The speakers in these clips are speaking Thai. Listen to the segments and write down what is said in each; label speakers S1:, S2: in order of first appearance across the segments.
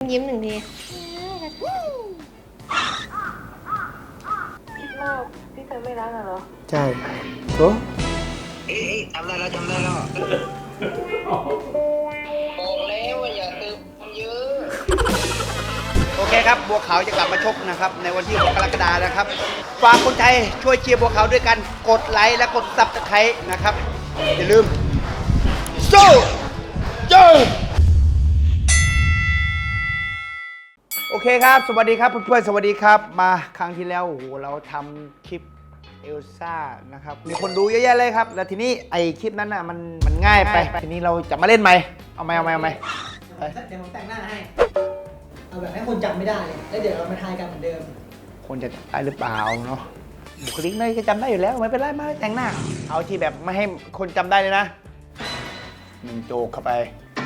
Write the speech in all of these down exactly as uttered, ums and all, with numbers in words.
S1: ยิ้มหนึ่งที
S2: คิดว่าพี่เธอไม่รักเหรอ
S3: ใช่โอ้
S4: เอ๊ะจำได้แล้วจำได้แล้วบอกแล้วว่าอย่าตื่นเยอะโอเคครับบัวขาวจะกลับมาชกนะครับในวันที่หกกรกฎาคมนะครับฝากคนไทยช่วยเชียร์บัวขาวด้วยกันกดไลค์และกดซับสไครต์นะครับอย่าลืมสู้เจอโอเคครับสวัสดีครับเพื่อนๆสวัสดีครับมาครั้งที่แล้วโอ้โหเราทำคลิปเอลซ่านะครับมีคนดูเยอะแยะเลยครับแล้วทีนี้ไอคลิปนั้นน่ะมันมันง่ายไปทีนี้เราจะมาเล่นไหมเอาไหมเอาไหมเอาไหม
S3: เดี๋ยวผมแต่งหน้าให้เอาแบบให้คนจำไม่ได้แล้วเดี๋ยวเรามาทายกันเหมือนเดิม
S4: คนจะจำได้หรือเปล่าเนาะบุคลิกนายก็จำได้อยู่แล้วไม่เป็นไรมาแต่งหน้าเอาที่แบบไม่ให้คนจำได้เลยนะหนึ่งโจกเข้าไป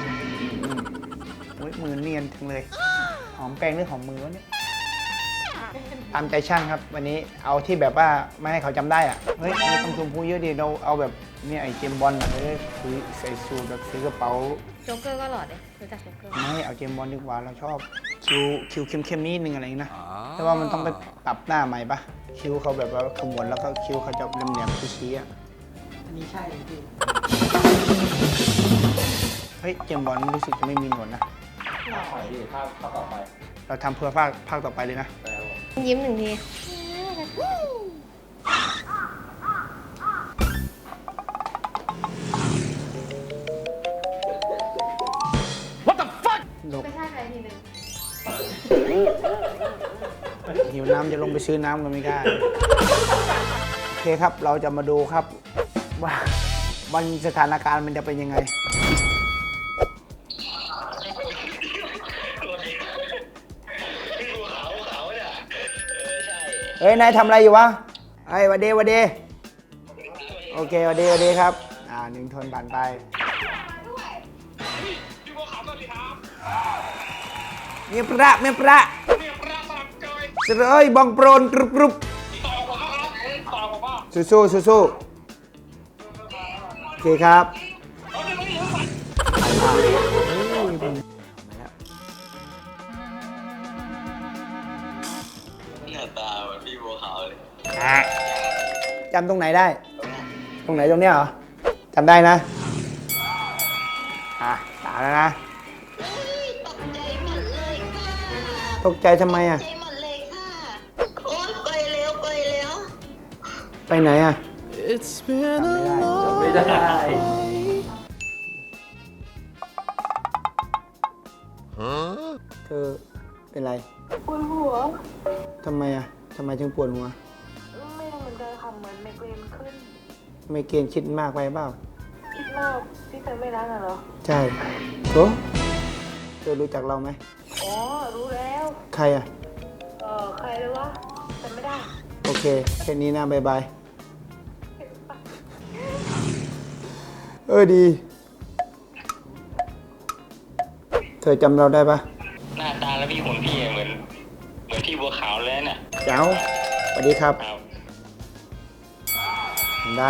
S4: อุ้ยมือเนียนจังเลยหอมแป้งหรือหอมมือวะเนี่ยตามใจช่างครับวันนี้เอาที่แบบว่าไม่ให้เขาจำได้อะเฮ้ยไม่ต้องชมพูเยอะดิเราเอาแบบเนี่ยไอ้เจมบอลอะเลยคือใส่สูทแบบซื้อกระเป๋า
S1: โจ๊กเกอร์ก็หล่อเลยรู้จักโจ๊กเกอร์
S4: ไม่เอาเจมบอลดีกว่าเราชอบคิวคิวเข้มๆนิดนึงอะไรนะแต่ว่ามันต้องไปปรับหน้าใหม่ปะคิวเขาแบบว่าขมวดแล้วก็คิวเขาจะแหลมๆชี้ๆอ่ะ
S3: อันนี้ใช่เลยพี่
S4: เฮ้ยเจมบอลรู้สึกจะไม่มีหนวดนะ
S5: ภาคที่ภาคต่อไป
S4: เราทำเพื่อภาคภาคต่อไปเลยนะ
S1: ยิ้มหนึ่งที
S4: ไปท่าใครทีนึงหิวน้ำจะลงไปซื้อน้ำก็ไม่ได้โอเคครับเราจะมาดูครับว่าวันสถานการณ์มันจะเป็นยังไงเฮ้ยนายทำอะไรอยู่วะเฮ้ยวันเดวันเดโอเควันเดวันเดครับอ่าหนึ่งทนผ่านไปเมียประเมียประเสรอยบองโปรนกรุบกรุบสู้สู้สู้สู้โอเคครับ
S5: หน้าตาเหมือนพี่บัวขาวเลย
S4: จำตรงไหนได้ ตรงไหนตรงเนี้ยเหรอจำได้นะอ่ะตาแล้วนะตกใจทำไมอ่ะไปไหนอ่ะจำไม่ได้จำไม่ได้เธอเป็นไร
S2: ปวดหัว
S4: ทำไมอ่ะทำไมถึงปวดหัว
S2: ไม่รู้เหมือนกันค่ะเหมือนไมเกรนขึ้น
S4: ไมเกรนคิดมากไปเปล่า
S2: คิดมากพี่เธอไม่รักเหรอ
S4: ใช่โอ้เธอรู้จักเราไหม
S2: อ๋อรู้แล้ว
S4: ใครอ่ะ
S2: เออใครเลยวะจำไม่ได้
S4: โอเคแค่นี้นะบายบายเออดีเธอจำเราได้ปะ
S5: หน้าตาแล้วพี่หุ่นพี่เหมือนเหมือนพี่บัวขาวเลยน่ะ
S4: เจ้าสวัสดีครับได้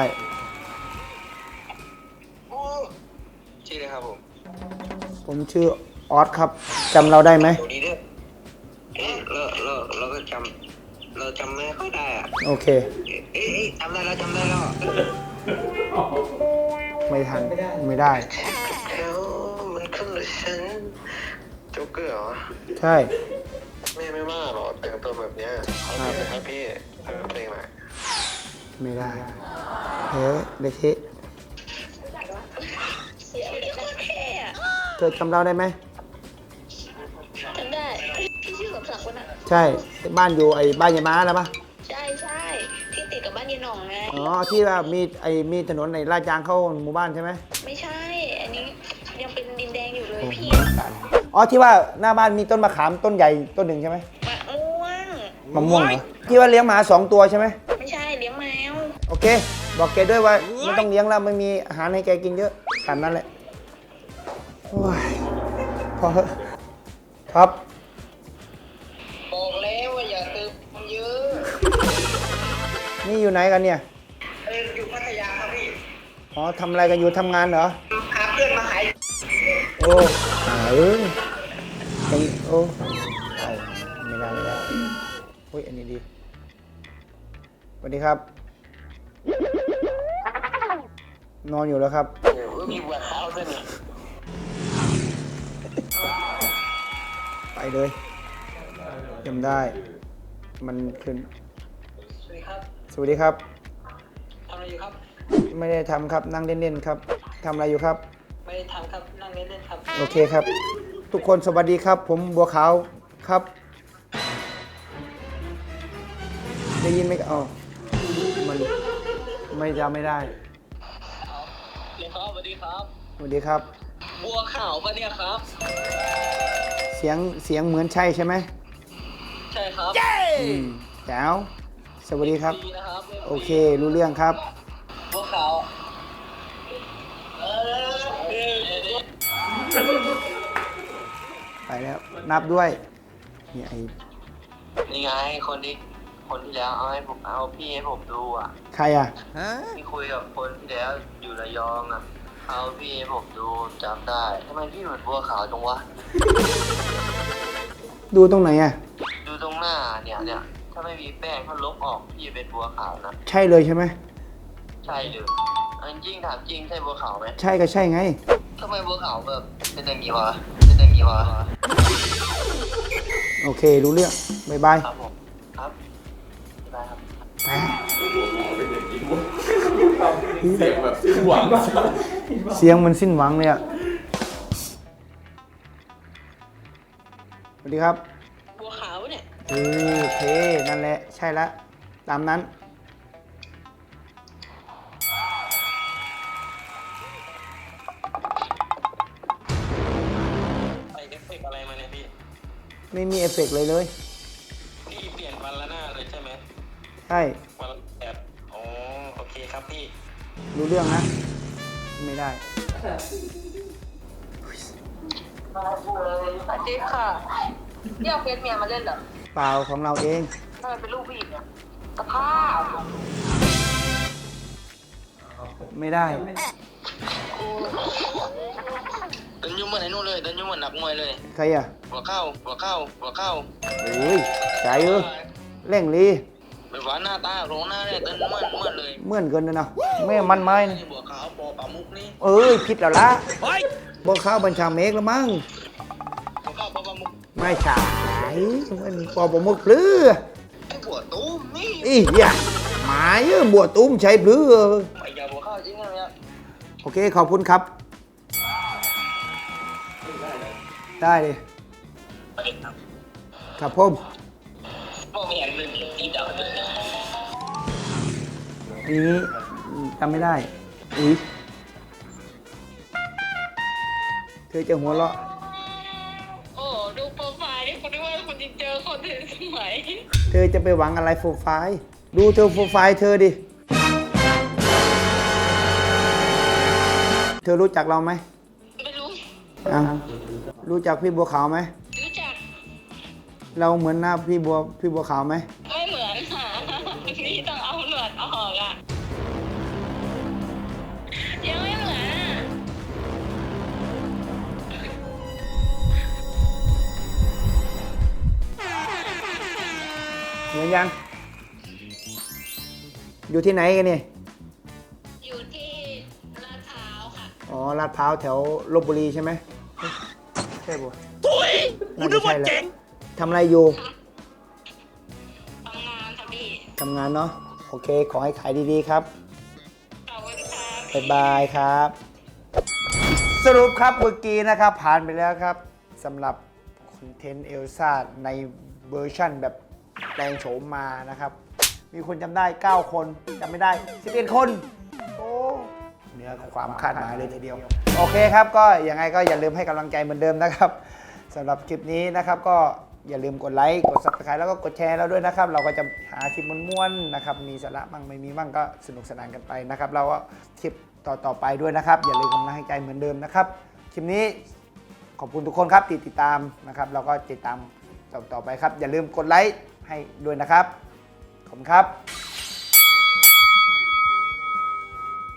S5: ชื่ออะไรครับผม
S4: ผมชื่อออสครับจำเราได้ไหม
S5: ดีด้วยเราเราเราก็จำเราจำไม่ค่อยได้อะ
S4: โอเค
S5: เอ๊ะจำได้แล้วจำได้แล้ว
S4: ไม่ทันไม่ได้
S5: แล้วมันขึ้นเลยฉันโจ๊กเกอร์เหรอ
S4: ใช่
S5: แม่ไม่ว่าหรอแต่งตัวแบบนี้เขาจะให้พี่ทำเพลงไหม
S4: ไม่ได้เฮ้ยเด็กที่เธอจำเราได้ไหม
S2: จำได้พี่ชื่อสมศักดิ์คนน่ะ
S4: ใช่บ้านอยู่ไอ้บ้านยายม้าแล้วปะ
S2: ใช่ใช่ที่ติดกับบ้านยายหน่องไง
S4: อ๋อที่ว่ามีไอ้มีถนนในลาดยางเข้าหมู่บ้านใช่ไหม
S2: ไม่ใช่อันนี้ยังเป็นดินแดงอยู่เลยพี่
S4: อ๋อที่ว่าหน้าบ้านมีต้นมะขามต้นใหญ่ต้นหนึ่งใช่ไหม
S2: มะม่วง
S4: มะม่วงเหรอที่ว่าเลี้ยงหมาสองตัวใช่ไหม
S2: ไม่ใช่เลี้ยงแมว
S4: โอเคบอกแกด้วยว่าไม่ต้องเลี้ยงแล้วไม่มีอาหารให้แกกินเยอะขนาดนั้นแหละโอ้ยพอครับ
S5: บอกแล้วว่าอย่าตื่นเยอะ
S4: นี่อยู่ไหนกันเนี่ย
S5: เอออยู่พัทยาครับพี่
S4: อ๋อทำอะไรกันอยู่ทำงานเหรอ
S5: หาเพื่อนมาหาย
S4: โอ้หาเออแกอย่างนี้โอ้เอาไม่ได้ไม่ได้เฮ้ยอันนี้ดีสวัสดีครับนอนอยู่แล้วครับ
S5: มีบัวขาวด้วยนี่
S4: ไปเลยจำได้มันขึ้น
S5: สวัสดีครับ
S4: สวัสดีครับ
S5: ทำอะไรอยู่ครับ
S4: ไม่ได้ทำครับนั่งเล่นๆครับทำอะไรอยู่ครับ
S5: ไม่ได้ทำครับนั่งเล่นๆครับ
S4: โอเคครับ ทุกคนสวัสดีครับ ผมบัวขาวครับได้ยินไหมอ๋อมันไม่จำไม่ได้
S5: เรียนครับสวัสดีครับ
S4: สวัสดีครับ
S5: บัวขาวปะเนี่ยครับ
S4: เสียงเสียงเหมือนใช่ใช่ไหม
S5: ใช่ครับ
S4: อืมแจ๋วสวัสดีครับ
S5: ดีนะครับ
S4: โอเครู้เรื่องครับ
S5: บัวขาวเออ
S4: ไปแล้วนับด้วยนี่ไอ้
S5: นี่ไงคนที่คนที่แล้วเอาให้ผมเอาพี่ให้ผมดูอ่ะ
S4: ใครอ่ะ
S5: ที่คุยกับคนที่แล้วอยู่ระยองอ่ะเอาพี่ให้ผมดูจำได้ทำไมพี่เหมือนบัวขาวจังวะ
S4: ดูตรงไหนอ่ะ
S5: ดูตรงหน้าเนี่ยเนี่ยถ้าไม่มีแป้งถ้าลบออกพี่เป็นบัวขาวนะ
S4: ใช่เลยใช่ไหม
S5: ใช่เลยอันจริงถามจริงใช่บัวขาวไหม
S4: ใช่ก็ใช่ไง
S5: ทำไมบัวขาวแบบเป็นอย่างนี้วะเป็นอย่างนี้วะ
S4: โอเครู้เรื่องบายบาย
S5: ครับผมครับได้ครับ
S4: ไป
S6: เสียงแบบสิ้นหวัง
S4: เสียงมันสิ้นหวังเลยอ่ะสวัสดีครับ
S5: บัวขาวเนี่ย
S4: เออโอเคนั่นแหละใช่ละตามนั้น
S5: ใส่เอฟเฟกต์อะไรมาเนี่ยพี่
S4: ไม่มีเอฟเฟกต์เลยเลย
S5: พี่เปลี่ยนวันละหน้าเลยใช่ไหม
S4: ใช่
S5: วันละแบบอ๋อโอเคครับพี่
S4: รู้เรื่องนะ ไม่ได้
S2: สวัสดีค่ะเรียกเฟซเมียมาเล่นเหรอ
S4: เปล่าของเราเอง
S2: ทำไมเป็นลูกผู้หญิงเนี่ยสภาพ
S4: ไม่ได้
S5: เดินยุ่งเหมือนไอ้นู่นเลยเดินยุ่งเหมือนนักมวยเลย
S4: ใครอ่ะ
S5: หัวเข้าหัวเข้าหัวเข้า
S4: โอ้ยใจเออเร่งรี
S5: แบบว่าหน้าตาโรงหน้าเนี่ยเดินเหมือนเหมือนเลย
S4: เหมื่อนเกินเลยนะแม่มันไม้นะ
S5: นี่บัวขาวปอปลามุกนี่
S4: เอ้ยผิดแล้วละบอกข้าวบัญชาเมกแล้วมั้ง
S5: บัวขาวปอปลามุก
S4: ไม่ใช่มันปอบมุกหรือ
S5: ไอ้บัวตุ้มนี่
S4: อีอย่าหมายเอ้ยบัวตุ้มใช่หรือ
S5: ไอ้ยาบัวขาวจริงนะเนี่ย
S4: โอเคขอบคุณครับ ได้เลย
S5: สวัสดีครับ
S4: ครับผม
S5: พ่อไม่อยากเล่นตีดาวเลย
S4: อันนี้จำไม่ได้อุ้ยเธอจะหัวเราะ
S2: โอ้ดูโปรไฟล์นี่คนนึกว่าคนจริงเจอคนถึงสมัย
S4: เธอจะไปหวังอะไรโปรไฟล์ดูเธอโปรไฟล์เธอดิ เธอรู้จักเราไหม
S2: ไม่รู้
S4: อ่ะรู้จักพี่บัวขาวไหม
S2: รู้จัก
S4: เราเหมือนหน้าพี่บัวพี่บัวขาวไหม
S2: ไม่เหมือนค่ะพี่ต้องเอาหนวดออกอ่ะยังไม่เหมือนอ่ะ
S4: เหมือนยัง อยู่ที่ไหนกันเนี่ย
S2: อยู่ที่ลาดพร้าวค่ะ
S4: อ๋อลาดพร้าวแถวลพบุรีใช่ไหมใช่ปะตุ้ยน่าจะใช่แหละทำอะไรอยู่
S2: ทำงานค่ะพี่
S4: ทำงานเนาะโอเค ขอให้ขายดีๆครับ
S2: ขอบคุณค่ะ
S4: บ๊ายบายครับ สรุปครับเมื่อกี้นะครับ ผ่านไปแล้วครับสำหรับคอนเทนต์เอลซ่าในเวอร์ชั่นแบบแปลงโฉมมานะครับ มีคนจำได้ เก้า คนจำไม่ได้ สิบเอ็ด คน โอ้เหนือความคาดหมายเลยทีเดียว โอเคครับก็ยังไงก็อย่าลืมให้กำลังใจเหมือนเดิมนะครับสำหรับคลิปนี้นะครับก็อย่าลืมกดไลค์กด ซับสไครบ์ แล้วก็กดแชร์เราด้วยนะครับ เราก็จะหาคลิปม้วนๆนะครับมีสาระบ้างไม่มีบ้างก็สนุกสนานกันไปนะครับเราก็คลิปต่อๆไปด้วยนะครับ อย่าลืมกำลังใจเหมือนเดิมนะครับคลิปนี้ขอบคุณทุกคนครับที่ติดตามนะครับ เราก็ติดตามต่อๆไปครับ อย่าลืมกดไลค์ให้ด้วยนะครับขอบคุณครับ